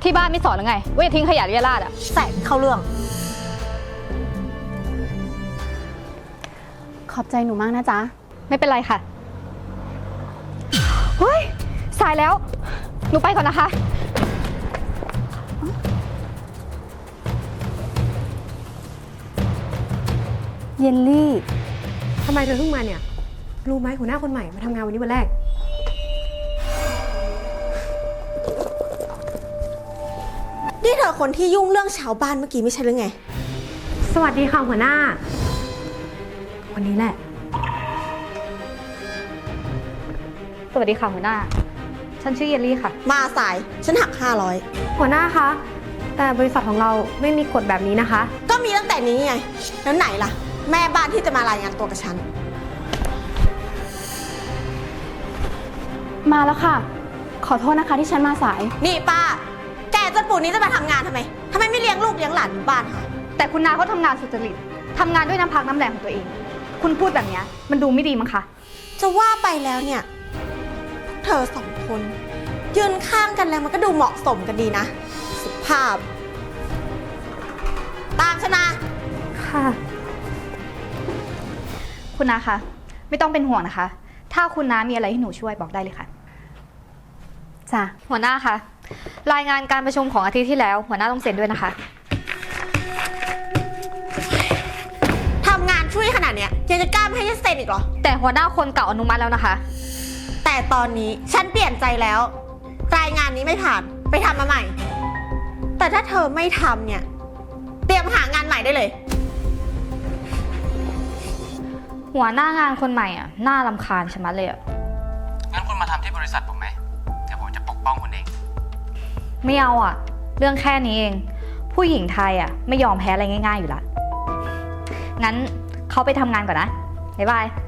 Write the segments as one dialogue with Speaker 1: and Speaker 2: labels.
Speaker 1: ที่บ้านไม่สอนหรือไงว่าอย่าทิ้งขยะเรี่ยราดอะ
Speaker 2: แสงเข้าเรื่อง
Speaker 3: ขอบใจหนูมากนะจ๊ะ
Speaker 1: ไม่เป็นไรค่ะเฮ้ยสายแล้วหนูไปก่อนนะคะ
Speaker 3: เยลลี่
Speaker 2: ทำไมเธอเพิ่งมาเนี่ยรู้ไหมหัวหน้าคนใหม่มาทำงานวันนี้วันแรก
Speaker 4: นี่เธอคนที่ยุ่งเรื่องชาวบ้านเมื่อกี้ไม่ใช่หรือไง
Speaker 2: สวัสดีค่ะหัวหน้าวันนี้แหละ
Speaker 1: สวัสดีค่ะหัวหน้าฉันชื่อเยลลี่ค่ะ
Speaker 4: มาสายฉันหัก500
Speaker 2: หัวหน้าคะแต่บริษัทของเราไม่มีกฎแบบนี้นะคะ
Speaker 4: ก็มีตั้งแต่นี้ไงแล้วไหนล่ะแม่บ้านที่จะมารายงานตัวกับฉัน
Speaker 3: มาแล้วค่ะขอโทษนะคะที่ฉันมาสาย
Speaker 4: นี่ป้าแกจนปู่นี้จะมาทำงานทำไมไม่เลี้ยงลูกเลี้ยงหลานอยู่บ้านคะ
Speaker 1: แต่คุณนาเขาทำงานสุจริตทำงานด้วยน้ำพักน้ำแรงของตัวเองคุณพูดแบบนี้มันดูไม่ดีมั้งคะ
Speaker 4: จะว่าไปแล้วเนี่ยเธอสองคนยืนข้างกันแล้วมันก็ดูเหมาะสมกันดีนะสุภาพตามฉันมา
Speaker 2: ค่ะ
Speaker 1: คุณนาคะไม่ต้องเป็นห่วงนะคะถ้าคุณน้ามีอะไรให้หนูช่วยบอกได้เลยค่ะ
Speaker 3: จ้ะ
Speaker 1: หัวหน้าคะรายงานการประชุมของอาทิตย์ที่แล้วหัวหน้าต้องเซ็นด้วยนะคะ
Speaker 4: ทำงานช่วยขนาดเนี้ยยังจะกล้าไม่ให้ฉันเซ็นอีกเหรอ
Speaker 1: แต่หัวหน้าคนเก่าอนุมัติแล้วนะคะ
Speaker 4: แต่ตอนนี้ฉันเปลี่ยนใจแล้วรายงานนี้ไม่ผ่านไปทำมาใหม่แต่ถ้าเธอไม่ทำเนี่ยเตรียมหางานใหม่ได้เลย
Speaker 1: หัวหน้างานคนใหม่อ่ะน่ารำคาญชะมัดเลยอ่ะ
Speaker 5: งั้นคุณมาทำที่บริษัทผมไหมเดี๋ยวผมจะปกป้องคุณเอง
Speaker 1: ไม่เอาอ่ะเรื่องแค่นี้เองผู้หญิงไทยอ่ะไม่ยอมแพ้อะไรง่ายๆอยู่ละงั้นเขาไปทำงานก่อนนะบ๊ายบาย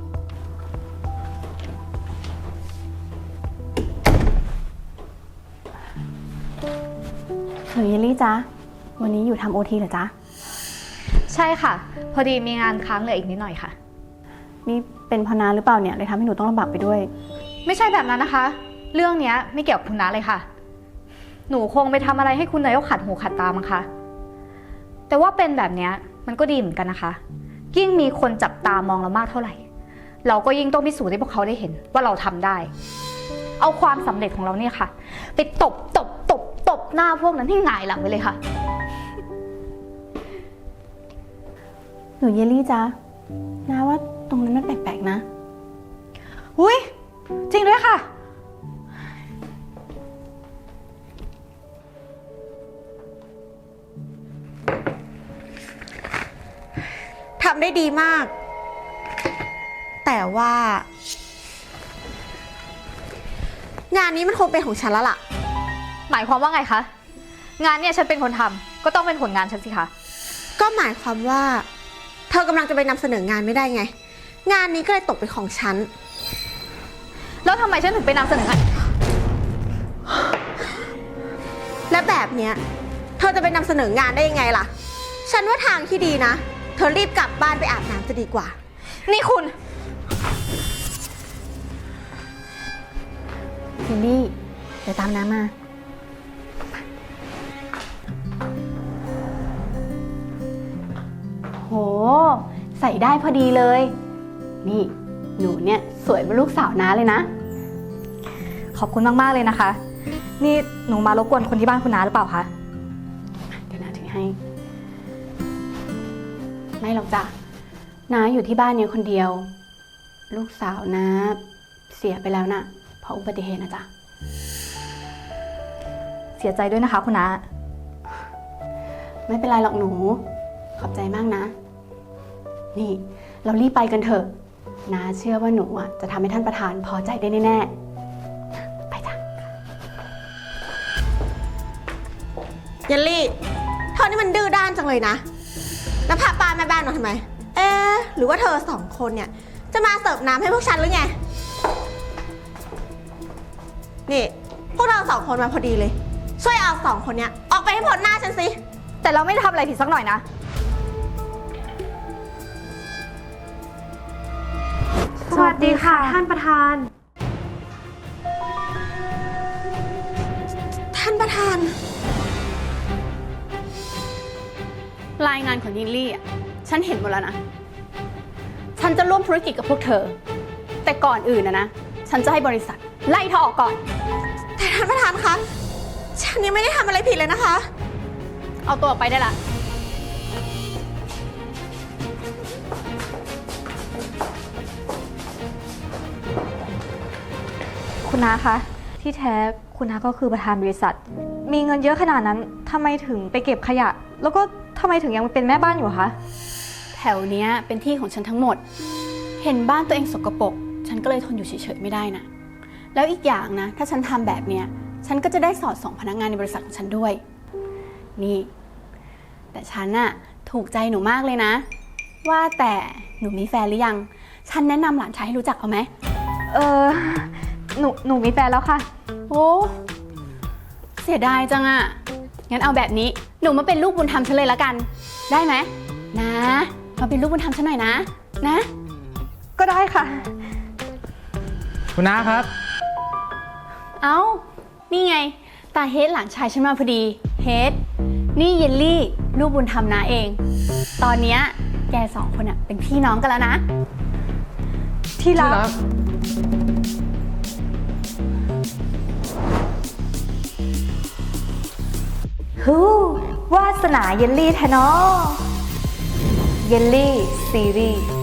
Speaker 3: หนูเยลลี่จ๊ะวันนี้อยู่ทำโอทีเหรอจ๊ะ
Speaker 1: ใช่ค่ะพอดีมีงานค้างเหลืออีกนิดหน่อยค่ะ
Speaker 3: นี่เป็นพนาหรือเปล่าเนี่ยเลยทำให้หนูต้องลำบากไปด้วย
Speaker 1: ไม่ใช่แบบนั้นนะคะเรื่องนี้ไม่เกี่ยวกับคุณน้าเลยค่ะหนูคงไปทำอะไรให้คุณนายกขัดหูขัดตามั้งคะแต่ว่าเป็นแบบนี้มันก็ดีเหมือนกันนะคะยิ่งมีคนจับตามองเรามากเท่าไหร่เราก็ยิ่งต้องพิสูจน์ให้พวกเขาได้เห็นว่าเราทำได้เอาความสำเร็จของเราเนี่ยค่ะไปตบหน้าพวกนั้นให้หงายหลังไปเลยค่ะ
Speaker 3: หนูเยลลี่จ๊ะนะว่าตรงนั้นมันแปลกๆนะ
Speaker 1: อุ้ยจริงด้วยค่ะ
Speaker 4: ทำได้ดีมากแต่ว่างานนี้มันคงเป็นของฉันแล้วล่ะ
Speaker 1: หมายความว่าไงคะงานเนี่ยฉันเป็นคนทำก็ต้องเป็นผลงานฉันสิคะ
Speaker 4: ก็หมายความว่าเธอกำลังจะไปนำเสนองานไม่ได้ไงงานนี้ก็เลยตกเป็นของฉัน
Speaker 1: แล้วทำไมฉันถึงไปนำเสนองาน
Speaker 4: และแบบเนี้ยเธอจะไปนำเสนองานได้ยังไงล่ะฉันว่าทางที่ดีนะเธอรีบกลับบ้านไปอาบน้ำจะดีกว่า
Speaker 1: นี่คุณ
Speaker 3: เยลลี่เดี๋ยวตามน้ำมาโหใส่ได้พอดีเลยนี่หนูเนี่ยสวยเป็นลูกสาวน้าเลยนะ
Speaker 1: ขอบคุณมากๆเลยนะคะนี่หนูมารบกวนคนที่บ้านคุณน้าหรือเปล่าคะ
Speaker 3: เดี๋ยวน้าถือให้ไม่หรอกจ้ะน้าอยู่ที่บ้านเนี่ยคนเดียวลูกสาวน้าเสียไปแล้วนะเพราะอุบัติเหตุนะจ๊ะ
Speaker 1: เสียใจด้วยนะคะคุณน้า
Speaker 3: ไม่เป็นไรหรอกหนูขอบใจมากนะนี่เรารีบไปกันเถอะน้าเชื่อว่าหนูอ่ะจะทำให้ท่านประธานพอใจได้แน่ๆไปจ้ะ
Speaker 4: เยลลี่เธอนี่มันดื้อด้านจังเลยนะแล้วพาป้าแม่บ้านมาทำไมหรือว่าเธอสองคนเนี่ยจะมาเสิร์ฟน้ำให้พวกฉันหรือไงนี่พวกเราสองคนมาพอดีเลยช่วยเอาสองคนเนี้ยออกไปให้พ้นหน้าฉันสิ
Speaker 1: แต่เราไม่ได้ทำอะไรผิดสักหน่อยนะ
Speaker 2: สวัสดีค่ะท่านประธาน
Speaker 4: ท่านประธาน
Speaker 3: รายงานของยินลี่อ่ะ ฉันเห็นหมดแล้วนะ ฉันจะร่วมธุรกิจกับพวกเธอ แต่ก่อนอื่นนะ ฉันจะให้บริษัทไล่เธอออกก่อน
Speaker 4: แต่ท่านประธานคะ ฉันยังไม่ได้ทำอะไรผิดเลยนะคะ
Speaker 3: เอาตัวออกไปได้ละ
Speaker 1: คุณน้าคะ ที่แท้คุณน้าก็คือประธานบริษัท มีเงินเยอะขนาดนั้นทำไมถึงไปเก็บขยะ แล้วก็ทำไมถึงยังเป็นแม่บ้านอยู่คะ
Speaker 3: แถวเนี้ยเป็นที่ของฉันทั้งหมด เห็นบ้านตัวเองสกปรก ฉันก็เลยทนอยู่เฉยๆไม่ได้นะ แล้วอีกอย่างนะ ถ้าฉันทำแบบเนี้ย ฉันก็จะได้สอดส่องพนักงานในบริษัทของฉันด้วย นี่ แต่ฉันน่ะถูกใจหนูมากเลยนะ ว่าแต่หนูมีแฟนหรือยัง ฉันแนะนำหลานชายให้รู้จักเอาไหม
Speaker 1: เออหนูมีแฟนแล้วค่ะ
Speaker 3: โอ้ เสียดายจังอะงั้นเอาแบบนี้ หนูมาเป็นลูกบุญธรรมฉันเลยละกัน ได้ไหม นะ มาเป็นลูกบุญธรรมฉันหน่อยนะ นะ
Speaker 1: ก็ได้ค่ะ
Speaker 5: คุณน้าครับ
Speaker 3: เอ้า นี่ไง ตาเฮดหลานชายฉันมาพอดี เฮด นี่เยลลี่ ลูกบุญธรรมนาเอง ตอนเนี้ยแกสองคนอะเป็นพี่น้องกันแล้วนะ
Speaker 1: ที่รัก ฮู้วาสนาเยลลี่แทเนอเยลลี่ซีรีส์